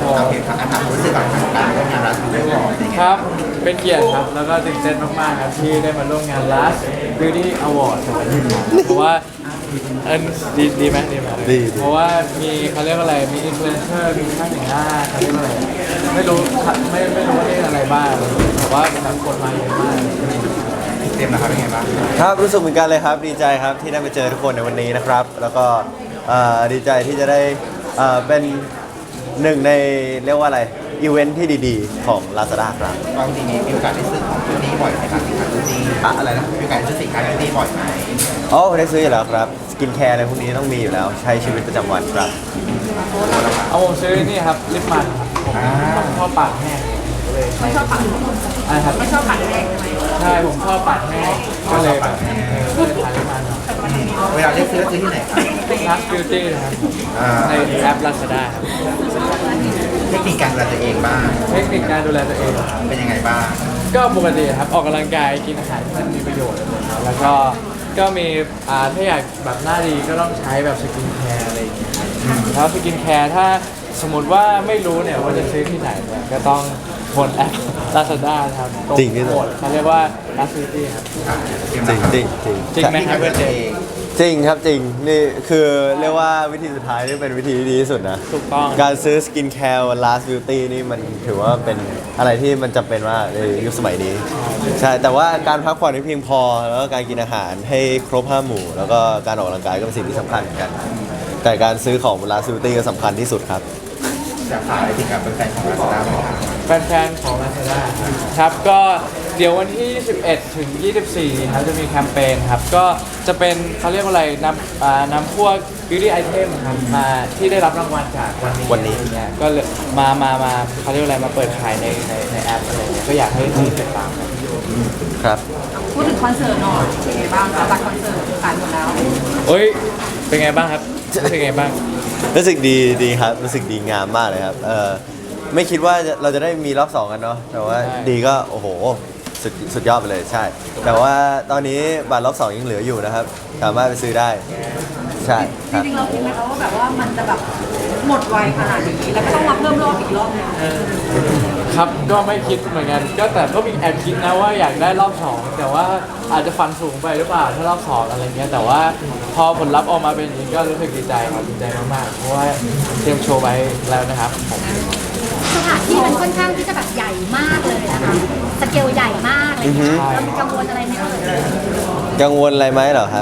โอเคครับถามรู้สึกก่อนทางการร่วมงานรัฐด้วยวอร์ดครับเป็นเกียรติครับแล้วก็ตื่นเต้นมากๆครับที่ได้มาร่วมงาน Last Beauty Award 2023เพราะว่าดีไหมดีไหมดีเพราะว่ามีเขาเรียกว่าอะไรมีอินฟลูเอนเซอร์มีช่างแต่งหน้าเขาเรียกว่าอะไรไม่รู้ไม่รู้ว่าเรียกอะไรบ้างแต่ว่าแบบคนมาเยอะมากเต็มนะครับเป็นไงบ้างครับรู้สึกเหมือนกันเลยครับดีใจครับที่ได้มาเจอทุกคนในวันนี้นะครับ แล้วก็ดีใจที่จะได้เป็นหนึ่งในเรียกว่าอะไรอีเวนท์ที่ดีๆของ Lazada ครับบางทีมีโอกาสได้ซื้อของชุดนี้บ่อยไหมครับสินค้าชุดนี้อะไรนะมีโอกาสได้ซื้อสินค้าชุดนี้บ่อยไหมอ๋อได้ซื้ออยู่แล้วครับสกินแคร์อะไรพวกนี้ต้องมีอยู่แล้วใช้ชีวิตประจำวันครับเอาผมซื้อนี่ครับลิปมันผมชอบปากแห้งเลยไม่ชอบปักอะไรครับไม่ชอบปักแรกใช่ไหมใช่ผมชอบปากแห้งก็เลยแบบก็เลยทานลิปมันเวลาได้ซื้อที่ไหนครับ Last Beauty นะครับในแอป Lazada ครับเทคนิคการดูแลตัวเองบ้างเทคนิคการดูแลตัวเองเป็นยังไงบ้างก็ปกติครับออกกำลังกายกินอาหารที่มันมีประโยชน์อะไรอย่างเงี้ยแล้วก็มีถ้าอยากแบบหน้าดีก็ต้องใช้แบบสกินแคร์อะไรอย่างเงี้ยแล้วสกินแคร์ถ้าสมมติว่าไม่รู้เนี่ยว่าจะซื้อที่ไหนเนี่ยก็ต้องบนแอป Lazada ครับตรงจริงที่สุดโหมดเขาเรียกว่า Last Beauty ครับจริงจริงจริงจริงไหมครับเพื่อนเจจริงครับจริงนี่คือเรียกว่าวิธีสุดท้ายนี่เป็นวิธีที่ดีที่สุดนะถูกต้องการซื้อสกินแคร์ Last Beauty นี่มันถือว่าเป็นอะไรที่มันจำเป็นมากในยุคสมัยนี้ ใช่ แต่ว่าการพักผ่อนให้เพียงพอ แล้วก็การกินอาหารให้ครบ5 หมู่ แล้วก็การออกกำลังกายก็เป็นสิ่งที่สำคัญเหมือนกัน แต่การซื้อของ Last Beauty ก็สำคัญที่สุดครับอยากฝากอะไรถึงกับแฟนๆของ Lazada ไหมครับแฟนๆของ Lazada ครับก็เดี๋ยววันที่ 21 ถึง 24 ครับจะมีแคมเปญครับก็จะเป็นเขาเรียกว่าอะไรนำพวก beauty item ครับมาที่ได้รับรางวัลจากวันนี้อะไรเงี้ยก็เลยมาเขาเรียกว่าอะไรมาเปิดขายในแอปอะไรเงี้ยก็อยากให้ติดตามกันครับพูดถึงคอนเสิร์ตหน่อยเป็นไงบ้างคะบัตรคอนเสิร์ตขายหมดแล้วเอ้ยเป็นไงบ้างครับเป็นไงบ้างรู้สึกดีครับ รู้สึกดีงามมากเลยครับไม่คิดว่าเราจะได้มีรอบ 2 กันเนาะ แต่ว่าดีก็โอ้โหสุดยอดไปเลยใช่ แต่ว่าตอนนี้บัตรรอบ 2 ยังเหลืออยู่นะครับ สามารถไปซื้อได้ ใช่จครับริงๆเราคิดไหมคะว่าแบบว่ามันจะแบบหมดไวขนาดนี้แล้วก็ต้องมาเพิ่มรอบอีกรอบนึงครับก็ไม่คิดเหมือนกันก็แต่ก็มีแอบคิดนะว่าอยากได้รอบ 2 แต่ว่าอาจจะฟันสูงไปหรือเปล่าถ้ารอบ 2 อะไรเงี้ยแต่ว่าพอผลลัพธ์ออกมาเป็นอย่างนี้ก็รู้สึกดีใจครับดีใจมากๆเพราะว่าเตรียมโชว์ไว้แล้วนะครับผมสถานที่มันค่อนข้างที่จะแบบใหญ่มากเลยนะคะสเกลใหญ่มากอะไรอย่างเงี้ยเรามีกังวลอะไรไหมเอ่ยกังวลอะไรไหมเหรอครับ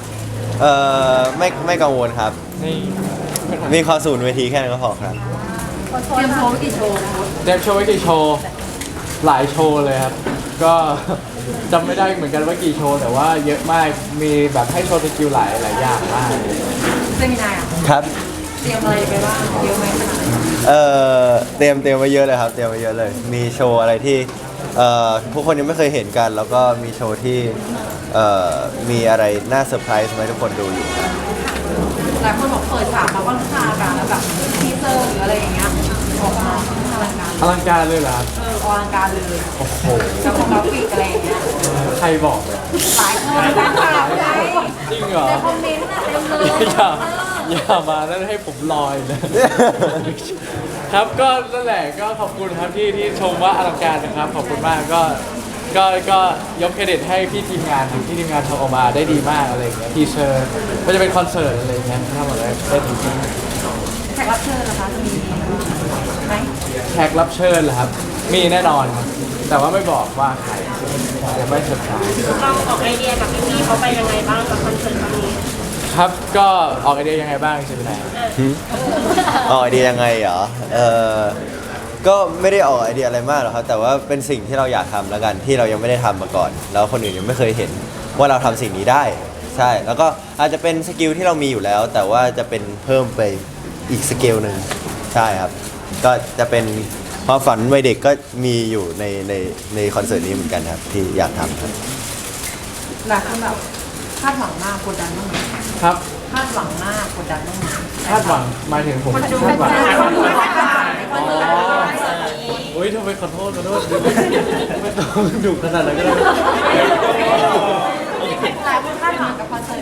ไม่กังวลครับนี่มีความสูนเวทีแค่นั้นก็พอครับเตรียมโชว์ไว้กี่โชว์นะคะเตรียมโชว์ไว้กี่โชว์หลายโชว์เลยครับก็ จำไม่ได้เหมือนกันว่ากี่โชว์แต่ว่าเยอะมากมีแบบให้โชว์สกิลหลายอย่างมากเซมินาร์อ่ะครับเตรียมอะไรไปบ้างเยอะไหมขนาดไหนเตรียมไว้เยอะเลยครับ เตรียมไว้เยอะเลย มีโชว์อะไรที่ทุกคนยังไม่เคยเห็นกัน แล้วก็มีโชว์ที่มีอะไรน่าเซอร์ไพรส์ให้ทุกคนดูอยู่ครับหลายคนบอกเปิดฉากมาค่อนข้างการแล้วแบบทีเซอร์หรืออะไรอย่างเงี้ยออกมาอลังการอลังการเลยเหรอครับอลังการเลยโอ้โหกับกราฟิกอะไรอย่างเงี้ยใครบอกเลยหลายคนแฟนคลับไงจริงเหรอในคอมเมนต์อะเต็มเลยอย่ามาแล้วให้ผมลอยเลย ครับก็นั่นแหละก็ขอบคุณครับที่ชมว่าอลังการนะครับขอบคุณมากก็ยกเครดิตให้พี่ทีมงานครับที่ทีมงานทำออกมาได้ดีมากอะไรอย่างเงี้ยทีเซอร์ก็จะเป็นคอนเสิร์ตอะไรอย่างเงี้ยทำออกมาได้ดีจริงแขกรับเชิญนะคะจะมีไหมแขกรับเชิญเหรอครับ มีแน่นอน แต่ว่าไม่บอกว่าใครเดี๋ยวไม่เซอร์ไพรส์เราออกไอเดียกับพี่ๆเขาไปยังไงบ้างกับคอนเสิร์ตครั้งนี้ครับก็ออกไอเดียยังไงบ้างใช่ไหมออกไอเดียยังไงเหรอก็ไม่ได้ออกไอเดียอะไรมากหรอกครับ แต่ว่าเป็นสิ่งที่เราอยากทำแล้วกันที่เรายังไม่ได้ทำมาก่อน แล้วคนอื่นยังไม่เคยเห็นว่าเราทำสิ่งนี้ได้ ใช่ แล้วก็อาจจะเป็นสกิลที่เรามีอยู่แล้ว แต่ว่าจะเป็นเพิ่มไปอีกสเกลหนึ่งใช่ครับ ก็จะเป็นความฝันวัยเด็กก็มีอยู่ในคอนเสิร์ตนี้เหมือนกันครับที่อยากทำครับหลายคนแบบคาดหวังมากกดดันบ้างไหมครับคาดหวังมากกดดันบ้างไหมคาดหวังหมายถึงผมคนดูคาดหวังคนดูคาดหวังในคอนเสิร์ตโอ้ยทำไมขอโทษไม่ต้องดุขนาดนั้นก็ได้หลายคนคาดหวังกับคอนเสิร์ตนี้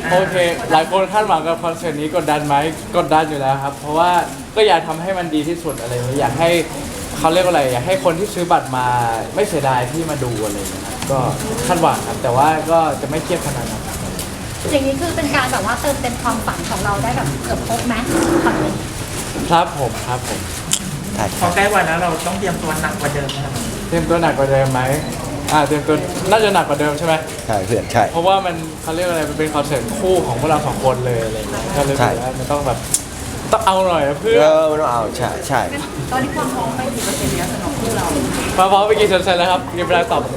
โอเค หลายคนคาดหวังกับคอนเสิร์ตนี้กดดันไหมกดดันอยู่แล้วครับ เพราะว่าก็อยากทำให้มันดีที่สุดอะไรอย่างเงี้ยอยากให้เขาเรียกว่าอะไรอยากให้คนที่ซื้อบัตรมาไม่เสียดายที่มาดูอะไรอย่างเงี้ยครับก็คาดหวังครับแต่ว่าก็จะไม่เครียดขนาดนั้นอย่างนี้คือเป็นการแบบว่าเติมเต็มความฝันของเราได้แบบเกือบครบไหมฝันเลยครับผมครับผมใช่พอใกล้วันแล้วเราต้องเตรียมตัวหนักกว่าเดิมนะครับเตรียมตัวหนักกว่าเดิมไหมเตรียมตัวน่าจะหนักกว่าเดิมใช่ไหมใช่เพื่อนใช่เพราะว่ามันเขาเรียกอะไรมันเป็นคอนเสิร์ตคู่ของพวกเราสองคนเลยอะไรอย่างเงี้ยก็เลยใช่รู้สึกว่ามันต้องแบบต้องเอาหน่อยนะเพื่อนมันต้องเอาใช่ใช่ตอนนี้ความพร้อมไปกี่เปอร์เซ็นต์แล้วสำหรับคู่เรามาพร้อมไปกี่เซนแล้วครับมีเวลาตอบ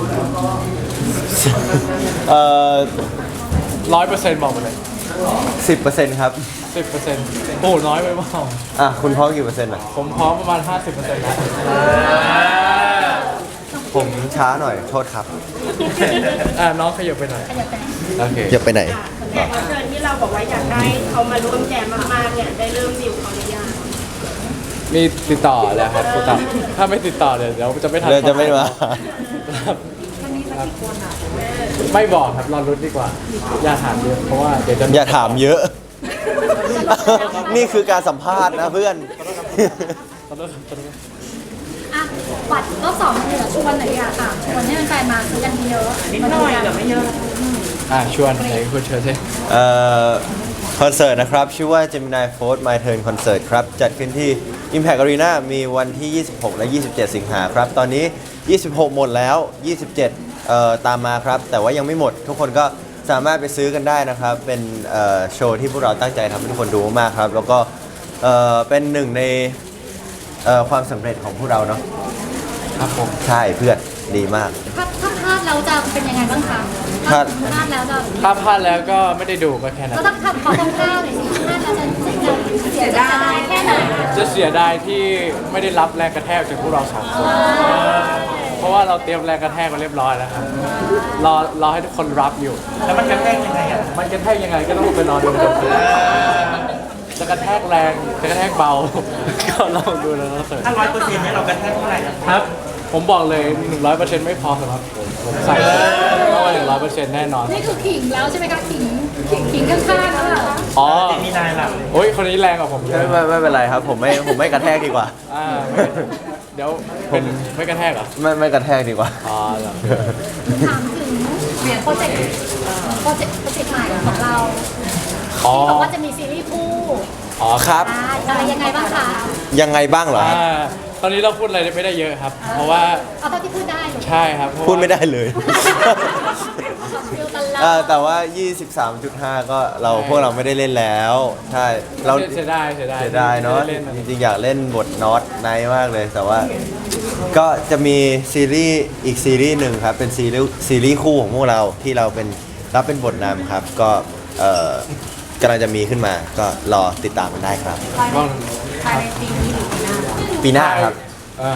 เอ่อ 100%บอกมาเลย 10%ครับ 10%โอ้น้อยไปเปล่าคุณพร้อมกี่เปอร์เซ็นต์อ่ะผมพร้อมประมาณ 50%แล้วผมช้าหน่อยโทษครับน้องขยับไปหน่อยขยับไปโอเคจะไปไหนแขกรับเชิญที่เราบอกว่าอยากได้เขามาร่วมแจมมากๆเนี่ยได้เริ่มดิวเขาหรือยังมีติดต่อแล้วครับติดต่อถ้าไม่ติดต่อเดี๋ยวจะไม่ทันเดี๋ยวจะไม่มาครับมันมีสักกี่คนอ่ะไม่บอกครับรอรุ้นดีกว่า อย่าถามเยอะเพราะว่าเดี๋ยวจะอย่าถามเยอะ นี่คือการสัมภาษณ์นะเพื่อนขอโทษครับขอโทษอ่ะบัตรรอบสองเหลือชวนหน่อยดีอ่ะค่ะชวนให้แฟนๆมาซื้อกันเยอะนิดหน่อยแต่ไม่เยอะชวนไหนคุณเชิญสิคอนเสิร์ตนะครับ ชื่อว่า Gemini Force My Turn Concert ครับ จัดขึ้นที่ Impact Arena มีวันที่ 26 และ 27 สิงหาครับ ตอนนี้ 26 หมดแล้ว 27 ตามมาครับ แต่ว่ายังไม่หมด ทุกคนก็สามารถไปซื้อกันได้นะครับ เป็นโชว์ที่พวกเราตั้งใจทำให้ทุกคนดูมากครับ แล้วก็เป็นหนึ่งในความสำเร็จของพวกเราเนาะครับผมใช่เพื่อนดีมากถ้าพลาดแล้วจะเป็นยังไงบ้างคะพลาดพลาดแล้วจะถ้าพลาดแล้วก็ไม่ได้ดูก็แค่นั้นก็ต้องทำขอคร่าวๆหน่อยสิพลาดแล้วจะเสียดายแค่ไหนจะเสียดายที่ไม่ได้รับแรงกระแทกจากพวกเราสองคน เพราะว่าเราเตรียมแรงกระแทกมาเรียบร้อยแล้วครับรอให้ทุกคนรับอยู่แล้วมันกระแทกยังไงอ่ะมันกระแทกยังไงก็ต้องไปรอดูกันจะกระแทกแรงจะกระแทกเบา ก็ลองดูแล้วเสร็จถ้า100%เนี่ยเรากระแทกเท่าไหร่อะครับ ผมบอกเลย 100%ไม่พอสำหรับผมใส่ต้องว่า100%แน่นอนนี่คือขิงแล้วใช่ไหมคะขิงข้างๆแล้วเหรออ๋อเจมินายล่ะโอ้ยคนนี้แรงกว่าผมเยอะไม่เป็นไรครับ ผมไม่กระแทกดีกว่าเดี๋ยวเป็นไม่กระแทกเหรอไม่กระแทกดีกว่าอ๋อเหรอถามถึงโปรเจกต์ใหม่ของเราอ๋อที่บอกว่าจะมีซีรีส์คู่อ๋อครับอะไรยังไงบ้างคะยังไงบ้างเหรอครับตอนนี้เราพูดอะไรไม่ได้เยอะครับ เพราะว่าเอาเท่าที่พูดได้ลูกใช่ครับเพราะว่าพูดไม่ได้เลยฟิลตลอดแต่ว่า 23.5 ก็พวกเราไม่ได้เล่นแล้ว ใช่ เราเสียดายเสียดายเนาะไม่ได้ล่จริงๆ อยากเล่นบทน็อตไนท์มากเลย แต่ว่าก็จะมีซีรีส์อีกซีรีส์หนึ่งครับ เป็นซีรีส์คู่ของพวกเราที่เรารับเป็นบทนำครับ ก็กำลังจะมีขึ้นมา ก็รอติดตามกันได้ครับก็ภายในปีนี้หรือปีหน้าปีหน้าครับอ่า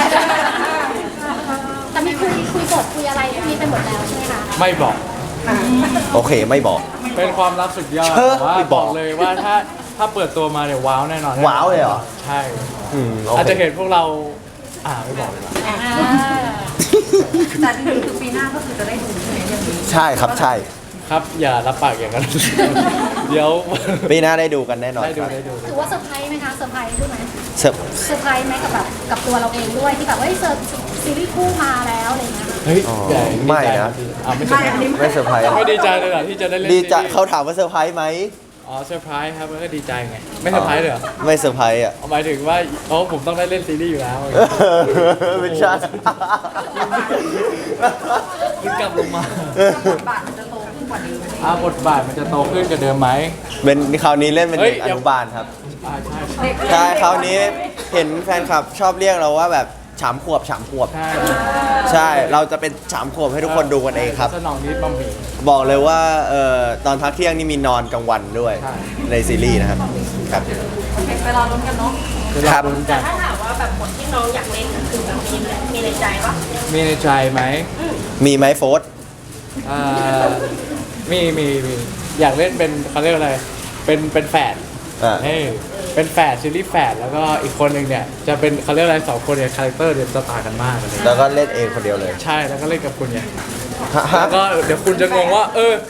แต่มีคุยบทคุยอะไรพวกนี้ไปหมดแล้วใช่ไหมคะไม่บอกโอเคไม่บอกเป็นความลับสุดยอดเชิญแต่ว่าไม่บบ ออกกเลยว่าถ้าเปิดตัวมาเนี่ยว้าวแน่นอนว้าวเลยเหรอใช่โออาจเคจะเห็นพวกเราไม่บอกเลยว่ะแต่จริงๆคือปีหน้าก็คือจะได้ดูใช่ไหมเรื่องนี้ใช่ครับใช่ครับอย่ารับปากอย่างนั้น เดี๋ยวปีหน้าได้ดูกันแน่นอนได้คดูรับได้ดูถือว่าเซอร์ไพรส์ไหมคะเซอร์ไพรส์ด้วยไหมเสิร์ฟเซอร์ไพรส์ไหมกับแบบกับตัวเราเองด้วยที่แบบว่าเซอร์ซีรีส์คู่มาแล้วอะไรอย่างเงี้ยค่ะเฮ้ยอ๋อใหญ่ไม่นะไม่เซอร์ไพรส์ไม่เซอร์ไพรส์ไม่ดีใจเลยเหรอที่จะได้เล่นดีใจซีรีส์เขาถามว่าเซอร์ไพรส์ไหมอ๋อเซอร์ไพรส์ครับก็ดีใจไงไม่เซอร์ไพรส์เลยเหรอไม่เซอร์ไพรส์อ่ะหมายถึงว่าผมต้องได้เล่นซีรีส์อยู่แล้วไม่ใช่คุณกลับลงมาบทบาทมันจะโตขึ้นกว่านี้บทบาทมันจะโตขึ้นกว่าเดิมไหมเป็นคราวนี้เล่นเป็นเฮ้เด็ยกอนุบาลครับใช่ใช่คราวนี้เห็นแฟนคลับชอบเรียกเราว่าแบบฉามขวบใช่ใช่ เราจะเป็นฉามขวบให้ทุกคนดูกันเองครับสนองนิดบะหมี่บอกเลยว่าตอนพักเที่ยงนี่มีนอนกลางวันด้วยใช่ในซีรีส์นะครับครับโอเคไปรอลุ้นกันเนาะครับกันถ้าถามว่าแบบบทที่น้องอยากเล่นคือแบบมีในใจปะมีในใจไหมมีไหมโฟร์ธอ่ามีอยากเล่นเป็นเขาเรียกอะไรเป็นแฝดอ่าเฮ้ยเป็นแฝดซีรีส์แฝดแล้วก็อีกคนหนึ่งเนี่ยจะเป็นเขาเรียกอะไรสองคนเนี่ยคาแรคเตอร์เนี่ยจะต่างกันมากเลยแล้วก็เล่นเองคนเดียวเลยใช่แล้วก็เล่นกับคุณเนี่ยฮะแล้วก็เดี๋ยวคุณจะงงว่า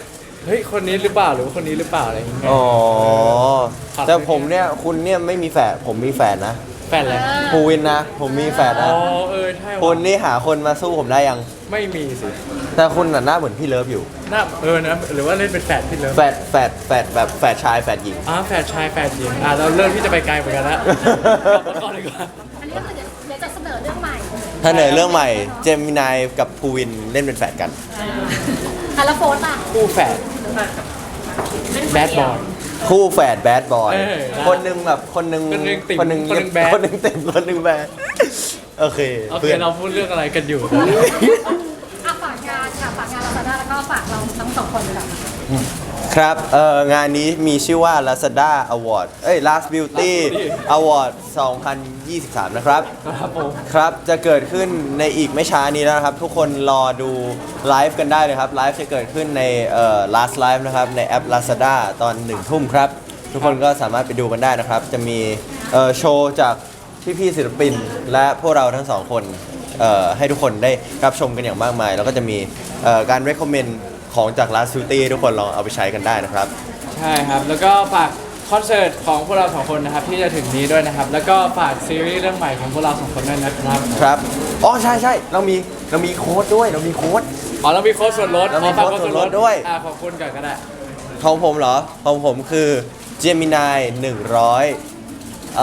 เฮ้ยคนนี้หรือเปล่าหรือว่าคนนี้หรือเปล่าอะไรอย่างเงี้ยอ๋อแต่ผมเนี่ยคุณเนี่ยไม่มีแฝดผมมีแฝดนะแฟนอะไรภูวินนะ ผมมีแฝดอ๋นะอใช่คุณว่ะนี่หาคนมาสู้ผมได้ยังไม่มีสิแต่คุณน่ะหน้าเหมือนพี่เลิฟอยู่น่านะหรือว่าเล่นเป็นแฟนพี่เลิฟแฝดแบบแฝดชายแฝดหญิงแฟนชายแฟนหญิงเราเริ่มที่จะไปไกลเหมือนกันแล้วกลับมาก่อนดีกว่าอันนี้ก็คือเดี๋ยวจะเสนอเรื่องใหม่ถ้าเหนือเรื่องใหม่เจมินายกับภูวินเล่นเป็นแฝดกันแล้วโฟนล่ะคู่แฝดแบดบอยคู่แฝดแบดบอยเออคนหนึ่งแบบคนหนึ่งคนหนึ่งติ่มคนหนึ่งคนหนึ่งแบดคนหนึ่งติ่มคนหนึ่งแบดโอเคโอเคเพื่อนเราพูดเรื่องอะไรกันอยู่ฝากงานค่ะฝากงาน Lazada แล้วก็ฝากเราทั้งสองคนเลยค่ะครับงานนี้มีชื่อว่า Lazada Award Last Beauty Award 2023 นะครับครับผมครับ จะเกิดขึ้นในอีกไม่ช้านี้แล้วนะครับ ทุกคนรอดูไลฟ์กันได้เลยครับ ไลฟ์จะเกิดขึ้นในLast Live นะครับ ในแอป Lazada ตอน 1 ทุ่มครับ ทุกคนก็สามารถไปดูกันได้นะครับ จะมีโชว์จากพี่ๆศิลปิน และพวกเราทั้งสองคนให้ทุกคนได้รับชมกันอย่างมากมาย แล้วก็จะมีการ recommend ของจาก Last Beauty ทุกคนลองเอาไปใช้กันได้นะครับใช่ครับ แล้วก็ฝากคอนเสิร์ตของพวกเราสองคนนะครับที่จะถึงนี้ด้วยนะครับ แล้วก็ฝากซีรีส์เรื่องใหม่ของพวกเราสองคนด้วยนะครับครับ อ๋อ ใช่ใช่เรามีโค้ดด้วย เรามีโค้ดเรามีโค้ดส่วนลดเรามีโค้ดส่วนลดด้วยขอบคุณก่อนก็ได้ของผมเหรอ ของผมคือ Gemini 100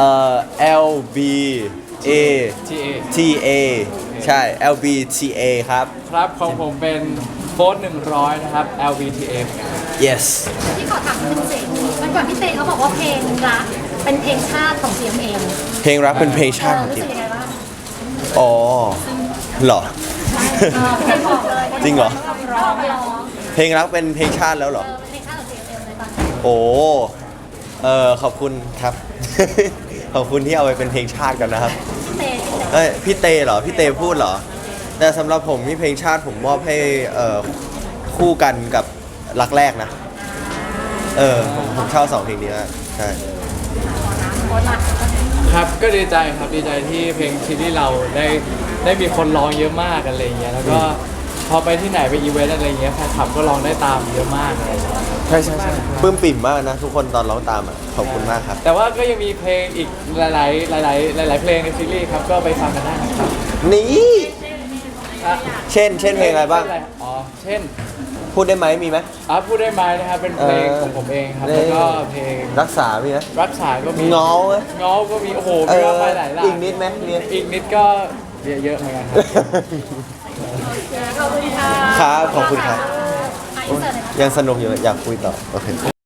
LBA TA TA ใช่ LBTA ครับครับของผมเป็นโค้ด100 นะครับ LVTA yes ที่ขอถามคุณสิวันก่อนพี่เตเขาบอกว่าเพลงรักเป็นเพลงชาติของ CMM เพลงรักเป็นเพลงชาติของรู้จริสึงกยังไงบ้างอ๋อเหรอเพลงบอกเลยจริงเหรอร้องเพลงรักเป็นเพลงชาติแล้วเหรอเป็นเพลงชาติของ CMM เลยตอนนี้โอ้ขอบคุณครับ ขอบคุณที่เอาไปเป็นเพลงชาติกันนะครับเตพี่เตเหรอ พี่เตพูดเหรอ แต่สำหรับผมนี่เพลงชาติผมมอบให้คู่กันกับรักแรกนะ ผมชอบ2เพลงนี้มากใช่โค้ดรักครับก็ดีใจครับดีใจที่เพลงซีรีส์เราได้มีคนร้องเยอะมากอะไรอย่างเงี้ยแล้วก็พอไปที่ไหนไปอีเวนต์อะไรอย่างเงี้ยแฟนคลับก็ร้องได้ตามเยอะมากเลยใช่ใช่ใช่ปลื้มปิ่มมากนะ ทุกคนตอนร้องตามอ่ะ ขอบคุณมากครับแต่ว่าก็ยังมีเพลงอีกหลายเพลงในซีรีส์ครับก็ไปฟังกันได้นะครับนี่อ่ะเช่นเพลงอะไรบ้างอ๋อเช่นพูดได้ไหมมีไหมพูดได้ไหมนะครับเป็นเพลงของผมเองครับเออแล้วก็เพลงรักษามีไหมรักษาก็มีเงาไหมเงาก็มีโอ้โหมีมากมายหลายหลากอีกนิดไหมมีอีกนิดก็เยอะเหมือนกันครับขอบคุณค่ะครับขอบคุณครับอินเสิร์ตเลยนะยังสนุกอยู่อยากคุยต่อ โอเค